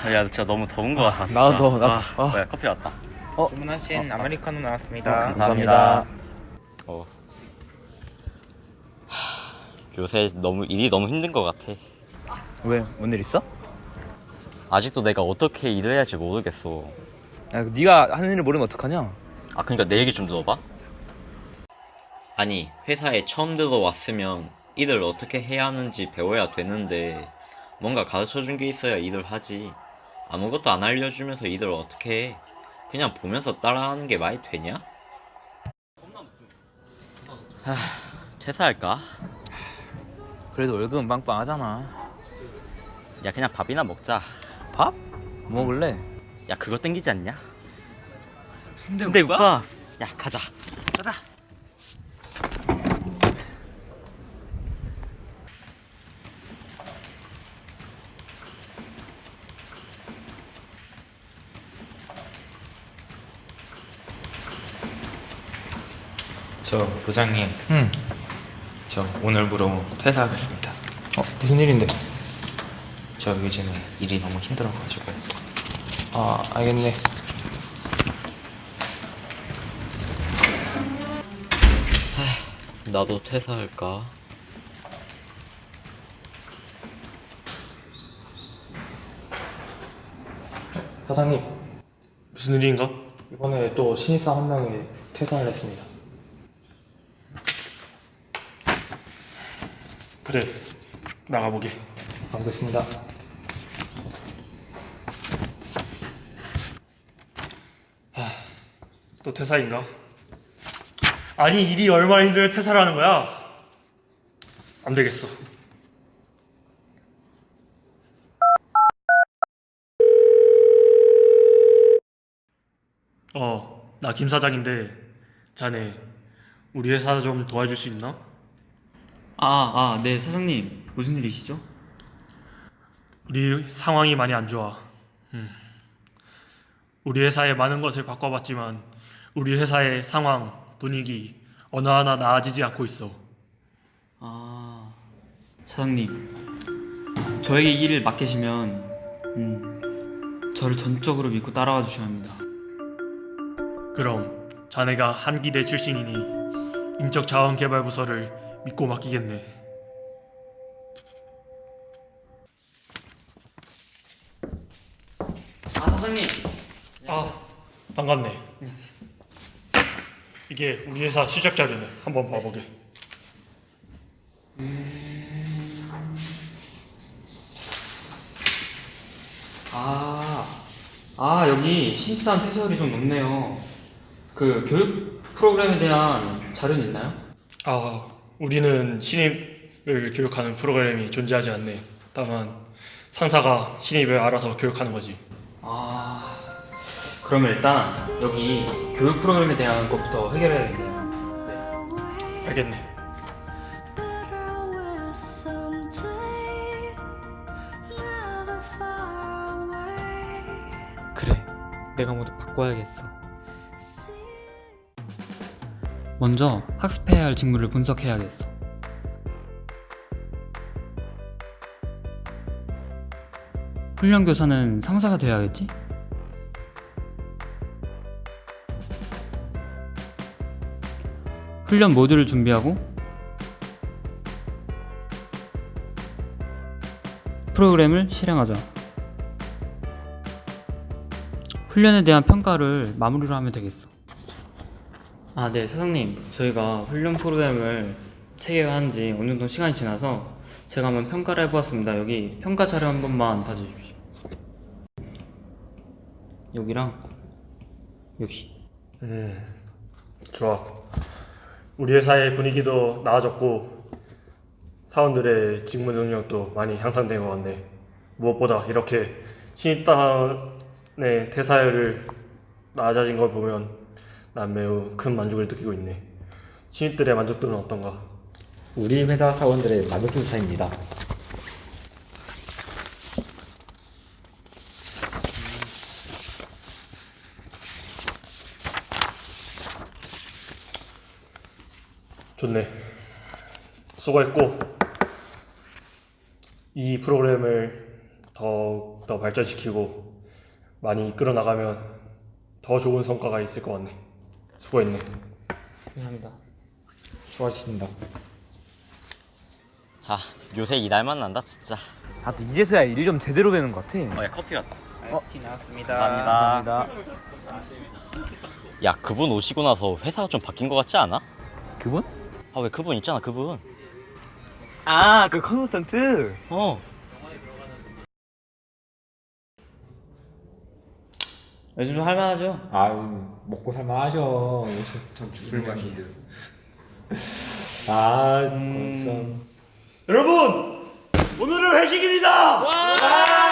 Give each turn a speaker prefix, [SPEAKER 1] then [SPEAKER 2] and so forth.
[SPEAKER 1] 야, 진짜 너무 더운 거 같아.
[SPEAKER 2] 나도 더워, 나도.
[SPEAKER 1] 뭐야, 커피 왔다.
[SPEAKER 3] 주문하신 아메리카노 나왔습니다.
[SPEAKER 1] 감사합니다. 요새 일이 너무 힘든 거 같아.
[SPEAKER 2] 왜? 뭔 일 있어?
[SPEAKER 1] 아직도 내가 어떻게 일을 해야 할지 모르겠어.
[SPEAKER 2] 야, 네가 하는 일을 모르면 어떡하냐?
[SPEAKER 1] 그러니까 내 얘기 좀 들어봐. 아니, 회사에 처음 들어왔으면 일을 어떻게 해야 하는지 배워야 되는데 뭔가 가르쳐준 게 있어야 일을 하지. 아무것도 안 알려주면서 일을 어떻게 해? 그냥 보면서 따라하는 게 말이 되냐? 퇴사할까?
[SPEAKER 2] 그래도 월급은 빵빵하잖아.
[SPEAKER 1] 야, 그냥 밥이나 먹자.
[SPEAKER 2] 밥? 뭐 먹을래?
[SPEAKER 1] 야, 그거 땡기지 않냐? 순대국밥? 야, 가자.
[SPEAKER 3] 저 부장님, 저 오늘부로 퇴사하겠습니다.
[SPEAKER 4] 무슨 일인데?
[SPEAKER 3] 저 요즘에 일이 너무 힘들어가지고.
[SPEAKER 4] 알겠네.
[SPEAKER 1] 나도 퇴사할까?
[SPEAKER 4] 사장님,
[SPEAKER 5] 무슨 일인가?
[SPEAKER 4] 이번에 또 신입사원 한 명이 퇴사를 했습니다.
[SPEAKER 5] 그래, 나가보게.
[SPEAKER 4] 가보겠습니다.
[SPEAKER 5] 또 퇴사인가? 아니, 일이 얼마나 힘들면 퇴사를 하는 거야? 안 되겠어. 나 김 사장인데 자네 우리 회사 좀 도와줄 수 있나?
[SPEAKER 6] 네, 사장님. 무슨 일이시죠?
[SPEAKER 5] 우리 상황이 많이 안 좋아. 우리 회사에 많은 것을 바꿔봤지만 우리 회사의 상황, 분위기 어느 하나 나아지지 않고 있어.
[SPEAKER 6] 사장님. 저에게 이 일을 맡기시면 저를 전적으로 믿고 따라와 주셔야 합니다.
[SPEAKER 5] 그럼 자네가 한기대 출신이니 인적자원개발부서를 믿고 맡기겠네.
[SPEAKER 6] 사장님.
[SPEAKER 5] 반갑네. 이게 우리 회사 실적 자료네. 한번 봐보게.
[SPEAKER 6] 여기 신입사원 퇴사율이 좀 높네요. 그 교육 프로그램에 대한 자료는 있나요?
[SPEAKER 5] 우리는 신입을 교육하는 프로그램이 존재하지 않네. 다만 상사가 신입을 알아서 교육하는 거지.
[SPEAKER 6] 그러면 일단 여기 교육 프로그램에 대한 것부터 해결해야겠네요.
[SPEAKER 5] 알겠네.
[SPEAKER 6] 그래, 내가 모두 바꿔야겠어. 먼저 학습해야 할 직무를 분석해야겠어. 훈련 교사는 상사가 되어야겠지? 훈련 모듈을 준비하고 프로그램을 실행하자. 훈련에 대한 평가를 마무리로 하면 되겠어. 네, 사장님. 저희가 훈련 프로그램을 체계화한 지 어느 정도 시간이 지나서 제가 한번 평가를 해보았습니다. 여기 평가 자료 한 번만 봐주십시오. 여기랑 여기.
[SPEAKER 5] 좋아. 우리 회사의 분위기도 나아졌고 사원들의 직무 능력도 많이 향상된 것 같네. 무엇보다 이렇게 신입단의 퇴사율을 낮아진 걸 보면 난 매우 큰 만족을 느끼고 있네. 신입들의 만족도는 어떤가?
[SPEAKER 7] 우리 회사 사원들의 만족도 조사입니다.
[SPEAKER 5] 좋네. 수고했고 이 프로그램을 더욱더 발전시키고 많이 이끌어 나가면 더 좋은 성과가 있을 것 같네. 수고했네.
[SPEAKER 6] 감사합니다.
[SPEAKER 7] 수고하셨습니다.
[SPEAKER 1] 아 요새 이날만 난다 진짜.
[SPEAKER 2] 아 또 이제서야 일 좀 제대로 배는 것 같아.
[SPEAKER 1] 야 커피 왔다.
[SPEAKER 6] 아이스티 나왔습니다.
[SPEAKER 1] 감사합니다. 야 그분 오시고 나서 회사가 좀 바뀐 것 같지 않아?
[SPEAKER 2] 그분?
[SPEAKER 1] 아 왜 그분 있잖아 그분.
[SPEAKER 2] 아 그 컨스턴트.
[SPEAKER 1] 어.
[SPEAKER 6] 요즘 할만하죠?
[SPEAKER 7] 아유, 먹고 살만하죠. 전 죽을 맛인데.
[SPEAKER 5] 여러분 오늘은 회식입니다.